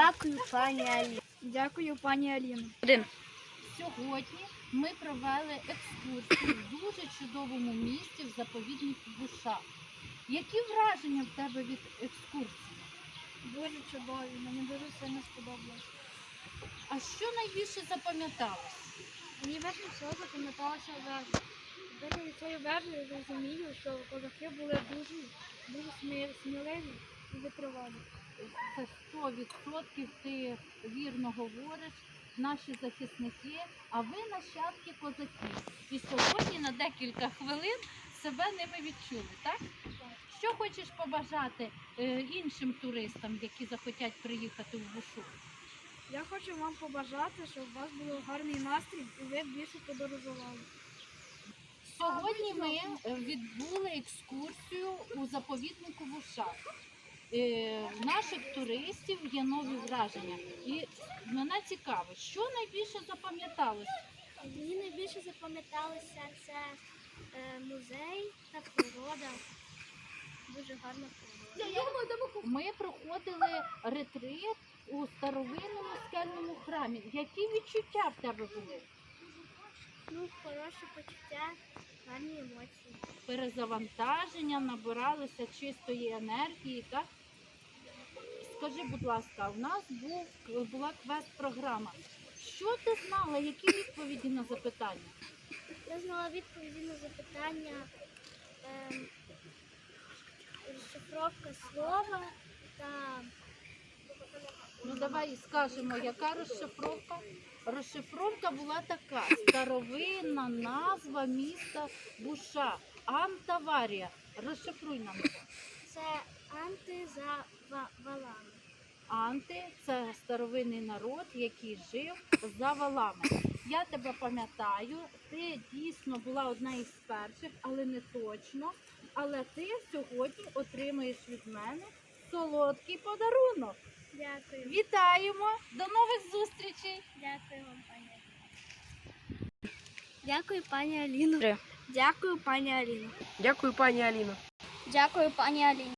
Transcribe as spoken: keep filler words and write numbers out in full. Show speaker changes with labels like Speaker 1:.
Speaker 1: Дякую, пані Аліно.
Speaker 2: Дякую, пані Аліно.
Speaker 3: Один.
Speaker 4: Сьогодні ми провели екскурсію в дуже чудовому місті в заповіднику Буша. Які враження в тебе від екскурсії?
Speaker 2: Дуже чудові, мені дуже сильно сподобалось.
Speaker 4: А що найбільше запам'яталось?
Speaker 2: Мені більше всього запам'яталася вежа. Коли від цієї вежі я розумію, що козаки були дуже, дуже смі- сміливі і витривалі.
Speaker 4: Це сто відсотків ти вірно говориш, наші захисники, а ви нащадки козаків. І сьогодні на декілька хвилин себе ними відчули, так? Що хочеш побажати е, іншим туристам, які захотять приїхати в Бушу?
Speaker 2: Я хочу вам побажати, щоб у вас був гарний настрій і ви більше подорожували.
Speaker 4: Сьогодні ми е, відбули екскурсію у заповіднику Буша. Е, в наших туристів є нові враження. І мене цікаво, що найбільше запам'яталось?
Speaker 1: Мені найбільше запам'яталося це е, музей та природа. Дуже гарна природа.
Speaker 4: Ми проходили ретрит у старовинному скельному храмі. Які відчуття в тебе були?
Speaker 1: Ну, хороше почуття, гарні емоції.
Speaker 4: Перезавантаження, набиралися чистої енергії, так? Скажи, будь ласка, у нас був, була квест-програма. Що ти знала, які відповіді на запитання?
Speaker 1: Я знала відповіді на запитання, е, розшифровка слова та
Speaker 4: Ну давай скажемо, яка розшифровка? Розшифровка була така: старовинна назва міста Буша, Антаварія. Розшифруй нам.
Speaker 1: це анти за ва- валами.
Speaker 4: Анти – це старовинний народ, який жив за валами. Я тебе пам'ятаю, ти дійсно була одна із перших, але не точно. Але ти сьогодні отримаєш від мене солодкий подарунок.
Speaker 1: Дякую.
Speaker 4: Вітаємо! До нових зустрічей!
Speaker 1: Дякую вам, пані Аліно. Дякую, пані Аліно.
Speaker 3: Три.
Speaker 2: Дякую, пані Аліно.
Speaker 3: Дякую, пані Аліно.
Speaker 1: Дякую, пані Аліно.